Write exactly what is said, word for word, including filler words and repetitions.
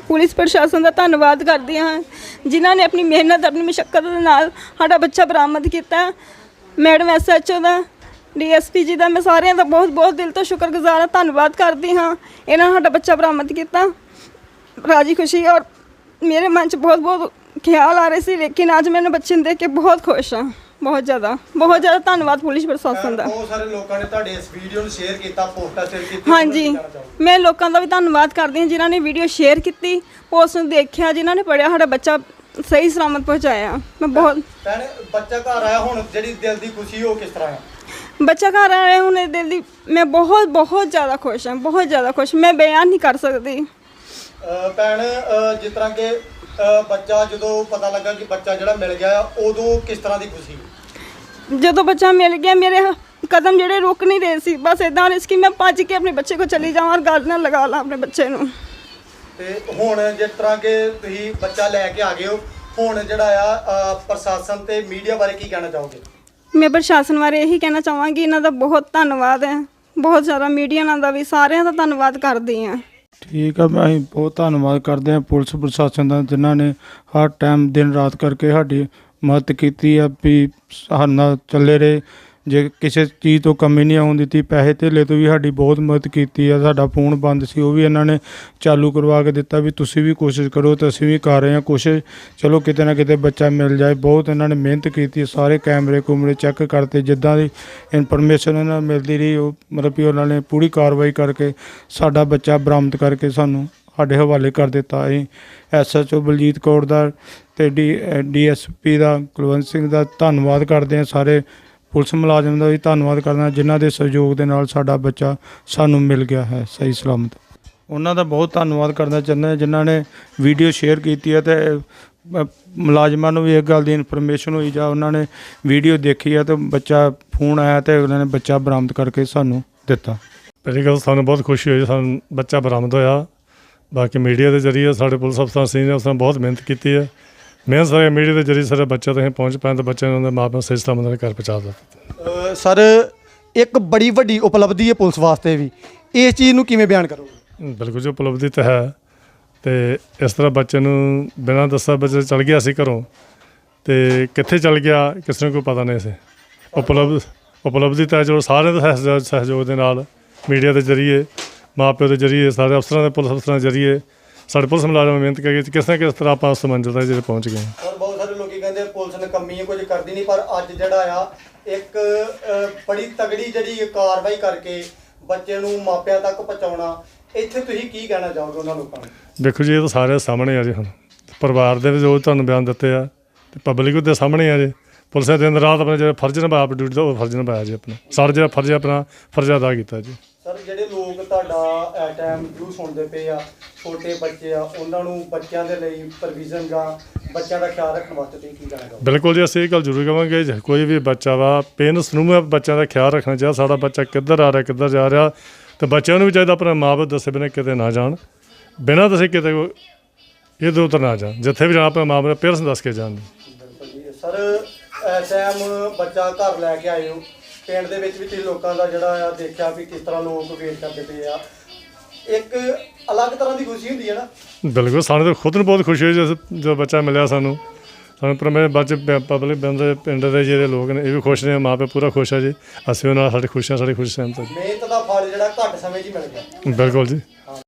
Police प्रशासन का धन्यवाद करदी हाँ जिन्हों ने अपनी मेहनत अपनी मुशक्कत दे नाल साडा बच्चा बरामद किया। मैडम एस एच ओ का डी एस पी जी का मैं सारे का बहुत बहुत दिल तो शुक्रगुजार हाँ, धन्यवाद करती हाँ। इन्होंने साडा बच्चा बरामद किया राजी खुशी, और मेरे मन च बहुत बहुत ख्याल आ रहे थे, लेकिन अज मैंने बच्चे नूं देख के बहुत खुश हाँ, बहुत ज़्यादा बहुत ज़्यादा धन्यवाद पुलिस प्रशासन का। बहुत सारे लोगों ने तुहाडे इस वीडियो नूं शेयर किया, पोस्टां शेयर कीती। हाँ जी, मैं लोगों का भी धन्यवाद करती हूँ जिन्होंने वीडियो शेयर की, पोस्ट नूं देखिया, जिन्होंने पढ़िया, साडा बच्चा सही सलामत पहुँचाया। मैं बहुत भैण बच्चा घर आया हुण जिहड़ी दिल दी खुशी हो किस तरह है? बच्चा घर आया हुण दिल दी मैं बहुत बहुत ज़्यादा खुश हाँ, बहुत ज़्यादा खुश, मैं बयान नहीं कर सकती। भैण जिस तरह के बच्चा जो पता लगा कि बच्चा जो मिल गया उदों किस तरह की खुशी? जो बच्चा मिल गया मेरे कदम जोड़े रुक नहीं रहे सी, बस इदा रिस्क मैं भज के अपने बच्चे को चली जाऊँ और गल ना लगा ला अपने बच्चे नूं। ते हुण जिस तरह के तुसीं बच्चा लैके आ गए हो, हुण जिहड़ा आ प्रशासन ते मीडिया बारे की कहना चाहोगे? मैं प्रशासन बारे यही कहना चाहांगी, इन्हां दा बहुत धन्नवाद है, बहुत ज़्यादा मीडिया दा भी सारिਆਂ ਦਾ धन्नवाद करदी हाँ। ठीक है, मैं बहुत धन्यवाद करते हैं पुलिस प्रशासन का जिन्होंने हर टाइम दिन रात करके साड़ी मदद की है भी साडे नाल चले रहे। जे किसी चीज़ तो कमी नहीं आउण दित्ती, पैसे धेले तो भी साड़ी बहुत मदद की है। साडा फोन बंद सी वो भी इन्होंने चालू करवा के दिता भी तुसीं भी कोशिश करो, तो असीं भी कर रहे हैं कोशिश, चलो किते ना किते बच्चा मिल जाए। बहुत इन्होंने मेहनत की, सारे कैमरे कुमरे चैक करते, जिद्दां दी इनफॉर्मेशन इन्हां नूं मिलदी रही मतलब भी उन्होंने पूरी कार्रवाई करके साडा बच्चा बरामद करके सानूं साडे हवाले कर दिता। असीं S H O Baljit Kaur दा ते डी डी एस पी का कुलवंत सिंह का धन्नवाद करते हैं। सारे पुलिस मुलाजम का भी धन्नवाद करना जिन्हों के सहयोग के नाल साडा बच्चा सानू मिल गया है सही सलामत। उन्होंने बहुत धन्नवाद करना चाहते हैं जिन्होंने वीडियो शेयर की है, तो मुलाजमान भी एक गल की इनफॉर्मेशन हुई जा उन्होंने वीडियो देखी है तो बच्चा फोन आया तो उन्होंने बच्चा बरामद करके सानू दिता। पहली गल सानू बहुत खुशी हुई सानू बच्चा बरामद होया। बाकी मीडिया के जरिए साढ़े पुलिस अफसर सी ने उसने बहुत मेहनत की है। मेहनत सारे मीडिया के जरिए सारे बच्चे तक पहुँच पाए तो बच्चे ने माँ प्यो सही सलामत घर पहुँचा दिता। सर एक बड़ी वड्डी उपलब्धि है पुलिस वास्ते भी, इस चीज़ नूं किवें बयान करोगे? बिल्कुल जी उपलब्धि तो है, तो इस तरह बच्चे नूं बिना दसा बच्चे चल गया सी घरों, तो कित्थे चल गया किसी ने कोई पता नहीं सी। उपलब्ध उपलब्धि तो है जो सारे दे सहयोग के नाल मीडिया के जरिए माँ प्यो के जरिए सारे अफसरों के पुलिस अफसरों के जरिए साढ़े पुलिस मुलाजम मेहनत करके किस ना किस तरह आप उस मंजिल तक जो पहुँच गए। और बहुत सारे लोग कहते हैं पुलिस ने कमी कुछ करती नहीं, पर अज जिहड़ा आ एक बड़ी तगड़ी जिहड़ी कार्रवाई करके बच्चे नूं मापिਆਂ तक पहुँचाउणा, इत्थे तुसीं की कहना चाहोगे उन्हां लोकां नूं? देखो जी ये तो सारे सामने आ जी, हुण परिवार के भी जो तुहानूं बयान दिते आ ते पब्लिक के सामने आ जी। पुलिस ने दिन रात अपने जो फर्ज निभाया अपनी ड्यूटी का फर्ज निभाया जी, अपना सारा जो फर्ज अपना फर्ज अदा किया जी। सर जिहड़े लोग तुहाडा इस टाइम व्यू सुनते पे आ, छोटे बच्चे आ, उन्हां नूं बच्चों के लिए प्रोविजन जां बच्चों का ख्याल रखने वास्ते तुसीं की कहना चाहोगे? बिल्कुल जी असीं गल जरूर कहांगे कोई भी बच्चा वा पेरेंट्स नूं बच्चों का ख्याल रखना चाहिए। साडा बच्चा किधर आ रहा किधर जा रहा, तो बच्चों भी चाहिए अपने माँ बाप दसे बिना किते ना जान, बिना दसे किते इधर उधर ना जान, जिथे भी जाना अपने माँ बाप पेरेंट्स दस के जान। सर इस टाइम बच्चा घर लैके आए हो, पिंड दे विच भी तुसीं लोकां दा जिहड़ा आ देखिया भी किस तरह लोग वेट करते पे आ, एक अलग तरह की खुशी हुंदी है ना? बिल्कुल सानूं तो खुद नूं बहुत खुशी हुई जो जो बच्चा मिलिया सानूं सानूं पर मेरे बच्चे पब्लिक बंदे पिंड दे जिहड़े लोग ने ये भी खुश ने, माँ प्यो पूरा खुश है जी, असीं उहनां नाल साडी खुशियां साडी खुशी सहमत है। मेहनत दा फल जिहड़ा घੱਟ समय 'ਚ मिल गया। बिल्कुल जी।